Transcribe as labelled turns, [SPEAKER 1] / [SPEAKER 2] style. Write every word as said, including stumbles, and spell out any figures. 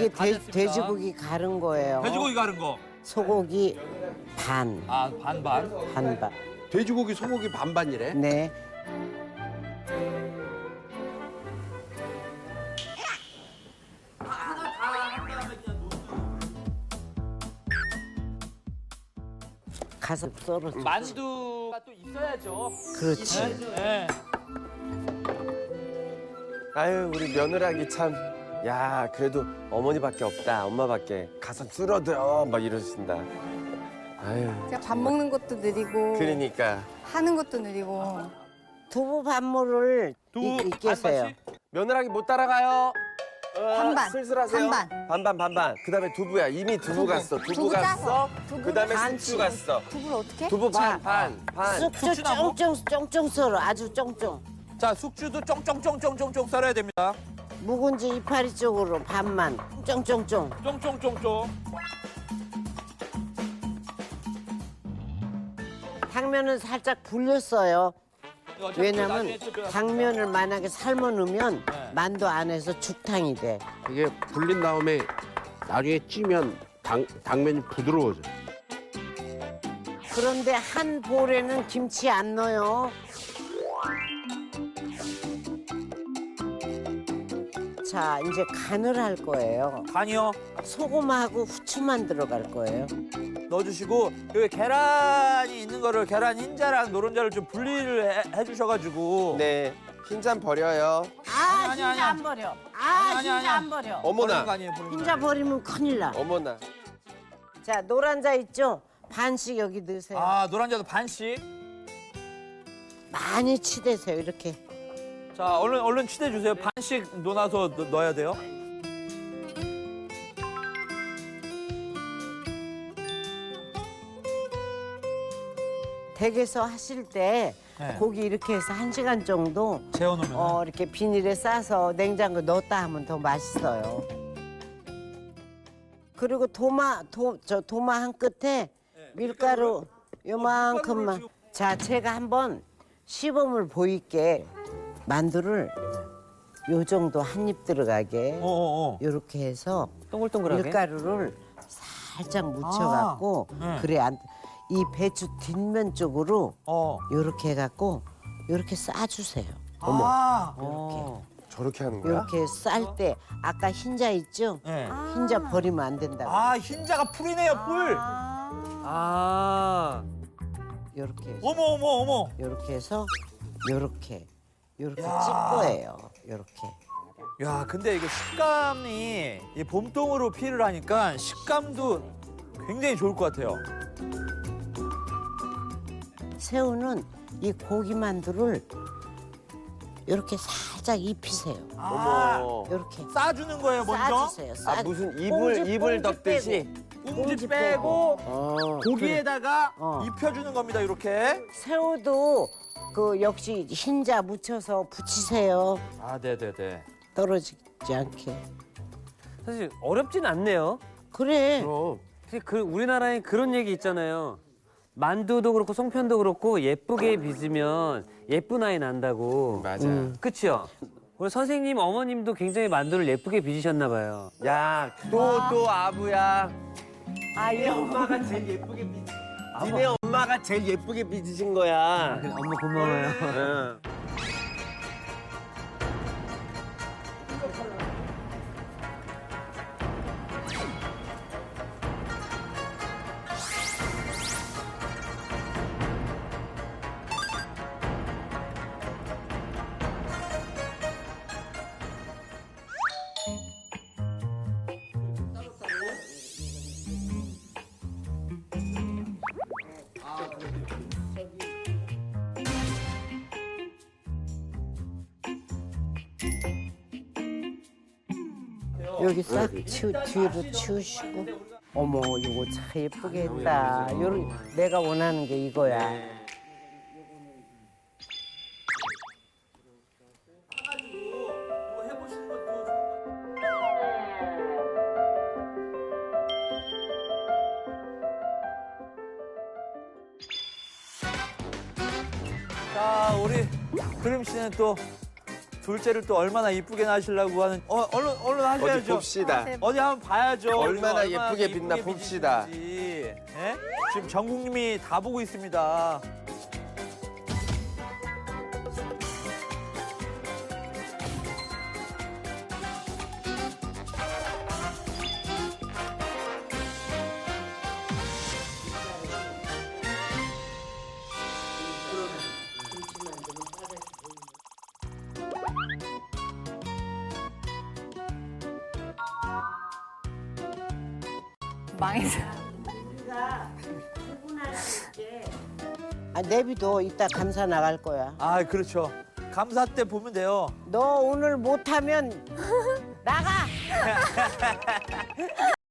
[SPEAKER 1] 이게
[SPEAKER 2] 다
[SPEAKER 1] 돼,
[SPEAKER 2] 됐습니다.
[SPEAKER 1] 돼지고기 가른 거예요.
[SPEAKER 2] 돼지고기 가른 거.
[SPEAKER 1] 소고기 반,
[SPEAKER 2] 아, 반반.
[SPEAKER 1] 반반.
[SPEAKER 3] 돼지고기, 소고기 반반이래?
[SPEAKER 1] 네. 가서 썰어.
[SPEAKER 2] 만두가 또 있어야죠.
[SPEAKER 1] 그렇지.
[SPEAKER 2] 네.
[SPEAKER 3] 아유, 우리 며느라기 참. 야, 그래도 어머니밖에 없다. 엄마밖에. 가서 쓸어들어. 막 이러신다. 아유.
[SPEAKER 4] 제가 밥 먹는 것도 느리고
[SPEAKER 3] 그러니까.
[SPEAKER 4] 하는 것도 느리고.
[SPEAKER 1] 두부 반모를
[SPEAKER 2] 두부
[SPEAKER 1] 익게세요.
[SPEAKER 2] 반반씩?
[SPEAKER 3] 며느라기 못 따라가요. 어,
[SPEAKER 4] 반반,
[SPEAKER 3] 슬슬하세요.
[SPEAKER 4] 반반.
[SPEAKER 3] 반반, 반반. 그 다음에 두부야. 이미 두부, 갔어. 두부,
[SPEAKER 4] 두부
[SPEAKER 3] 갔어.
[SPEAKER 4] 짜서. 두부
[SPEAKER 3] 그 다음에
[SPEAKER 1] 반씩.
[SPEAKER 3] 숙주 갔어.
[SPEAKER 4] 두부를 어떻게?
[SPEAKER 3] 두부 반,
[SPEAKER 1] 자,
[SPEAKER 3] 반, 반.
[SPEAKER 1] 쑥주
[SPEAKER 2] 숙주나무?
[SPEAKER 1] 쫑쫑 쫑쫑 썰어. 아주 쫑쫑.
[SPEAKER 2] 자, 숙주도 쫑쫑쫑쫑쫑쫑 썰어야 됩니다.
[SPEAKER 1] 묵은지 이파리 쪽으로 반만. 쫑쫑쫑.
[SPEAKER 2] 쫑쫑쫑쫑.
[SPEAKER 1] 당면은 살짝 불렸어요.
[SPEAKER 2] 어차피
[SPEAKER 1] 왜냐면
[SPEAKER 2] 나중에 또 저-
[SPEAKER 1] 당면을 만약에 삶아 놓으면
[SPEAKER 2] 네.
[SPEAKER 1] 만두 안에서 죽탕이 돼.
[SPEAKER 5] 이게 불린 다음에 나중에 찌면 당, 당면이 부드러워져.
[SPEAKER 1] 그런데 한 볼에는 김치 안 넣어요. 자, 이제 간을 할 거예요.
[SPEAKER 2] 간이요.
[SPEAKER 1] 소금하고 후추만 들어갈 거예요.
[SPEAKER 2] 넣어주시고 여기 계란이 있는 거를 계란 흰자랑 노른자를 좀 분리를 해, 해주셔가지고
[SPEAKER 3] 네. 흰잔 버려요.
[SPEAKER 1] 아,
[SPEAKER 2] 아니,
[SPEAKER 1] 흰자
[SPEAKER 2] 아니,
[SPEAKER 1] 안 버려. 아,
[SPEAKER 2] 아니, 아니,
[SPEAKER 1] 흰자
[SPEAKER 2] 아니.
[SPEAKER 1] 안 버려.
[SPEAKER 2] 버리는
[SPEAKER 3] 어머나.
[SPEAKER 2] 거 아니에요, 버리는 거
[SPEAKER 1] 흰자 버리면 큰일 나.
[SPEAKER 3] 어머나.
[SPEAKER 1] 자, 노란자 있죠? 반씩 여기 넣으세요.
[SPEAKER 2] 아, 노란자도 반씩.
[SPEAKER 1] 많이 치대세요, 이렇게.
[SPEAKER 2] 자, 얼른 얼른 치대 주세요. 반씩 놓아서 넣, 넣어야 돼요.
[SPEAKER 1] 댁에서 하실 때
[SPEAKER 2] 네.
[SPEAKER 1] 고기 이렇게 해서 한 시간 정도
[SPEAKER 2] 재워놓으면.
[SPEAKER 1] 어, 이렇게 비닐에 싸서 냉장고에 넣었다 하면 더 맛있어요. 그리고 도마, 도, 저 도마 한 끝에 밀가루 요만큼만. 자, 제가 한번 시범을 보일게. 만두를 요 정도 한 입 들어가게
[SPEAKER 2] 어어어.
[SPEAKER 1] 요렇게 해서
[SPEAKER 6] 동글동글하게?
[SPEAKER 1] 밀가루를 살짝 묻혀갖고
[SPEAKER 2] 아, 네.
[SPEAKER 1] 그래 안, 이 배추 뒷면 쪽으로
[SPEAKER 2] 어.
[SPEAKER 1] 요렇게 해갖고 요렇게 싸주세요.
[SPEAKER 2] 어머. 아.
[SPEAKER 6] 어.
[SPEAKER 3] 저렇게 하는 거야?
[SPEAKER 1] 요렇게 쌀 때 아까 흰자 있죠?
[SPEAKER 2] 네.
[SPEAKER 1] 흰자 버리면 안 된다고.
[SPEAKER 2] 아, 흰자가 풀이네요, 뿔.
[SPEAKER 6] 아.
[SPEAKER 1] 요렇게 해서
[SPEAKER 2] 어머 어머 어머.
[SPEAKER 1] 요렇게 해서 요렇게 요렇게 찔
[SPEAKER 2] 야.
[SPEAKER 1] 거예요. 요렇게.
[SPEAKER 2] 야, 근데 이거 식감이 이 봄동으로 피를 하니까 식감도 굉장히 좋을 것 같아요.
[SPEAKER 1] 새우는 이 고기 만두를 요렇게 살짝 입히세요.
[SPEAKER 2] 아,
[SPEAKER 3] 어머.
[SPEAKER 1] 요렇게
[SPEAKER 2] 싸주는 거예요, 먼저.
[SPEAKER 1] 싸주세요. 싸.
[SPEAKER 3] 아, 무슨
[SPEAKER 1] 꽁지,
[SPEAKER 3] 이불, 이불
[SPEAKER 1] 꽁지
[SPEAKER 3] 덮듯이?
[SPEAKER 1] 빼고.
[SPEAKER 2] 꽁지
[SPEAKER 1] 꽁지
[SPEAKER 2] 빼고
[SPEAKER 1] 어,
[SPEAKER 2] 고기에다가
[SPEAKER 1] 어.
[SPEAKER 2] 입혀주는 겁니다, 이렇게.
[SPEAKER 1] 새우도 그 역시 흰자 묻혀서 부치세요.
[SPEAKER 2] 아, 네네네.
[SPEAKER 1] 떨어지지 않게.
[SPEAKER 6] 사실 어렵진 않네요.
[SPEAKER 1] 그래.
[SPEAKER 3] 그럼.
[SPEAKER 6] 사실 그 우리나라에 그런 얘기 있잖아요. 만두도 그렇고 송편도 그렇고 예쁘게 빚으면 예쁜 아이 난다고.
[SPEAKER 3] 맞아.
[SPEAKER 6] 그치요? 우리 선생님 어머님도 굉장히 만두를 예쁘게 빚으셨나 봐요.
[SPEAKER 3] 야, 또, 또 아부야.
[SPEAKER 1] 아,
[SPEAKER 3] 니네 엄마가 제일 예쁘게 빚. 니네 엄마가 제일 예쁘게 빚으신 거야.
[SPEAKER 6] 그래, 엄마 고마워요.
[SPEAKER 3] 응.
[SPEAKER 1] 여기 싹 치, 뒤로 치우시고. 어머, 이거 참 예쁘게 했다. 요런, 내가 원하는 게 이거야.
[SPEAKER 2] 자, 우리 그림 씨는 또 둘째를 또 얼마나 이쁘게 낳으시려고 하는. 어, 얼른 얼른
[SPEAKER 3] 어디
[SPEAKER 2] 하셔야죠.
[SPEAKER 3] 봅시다.
[SPEAKER 2] 어디 한번 봐야죠.
[SPEAKER 3] 얼마나
[SPEAKER 2] 이거
[SPEAKER 3] 예쁘게 빛나 봅시다.
[SPEAKER 2] 빚으시는지. 예? 지금 전 국민이 다 보고 있습니다.
[SPEAKER 4] 망했어.
[SPEAKER 1] 아, 내비도 이따 감사 나갈 거야.
[SPEAKER 2] 아, 그렇죠. 감사 때 보면 돼요.
[SPEAKER 1] 너 오늘 못하면 나가.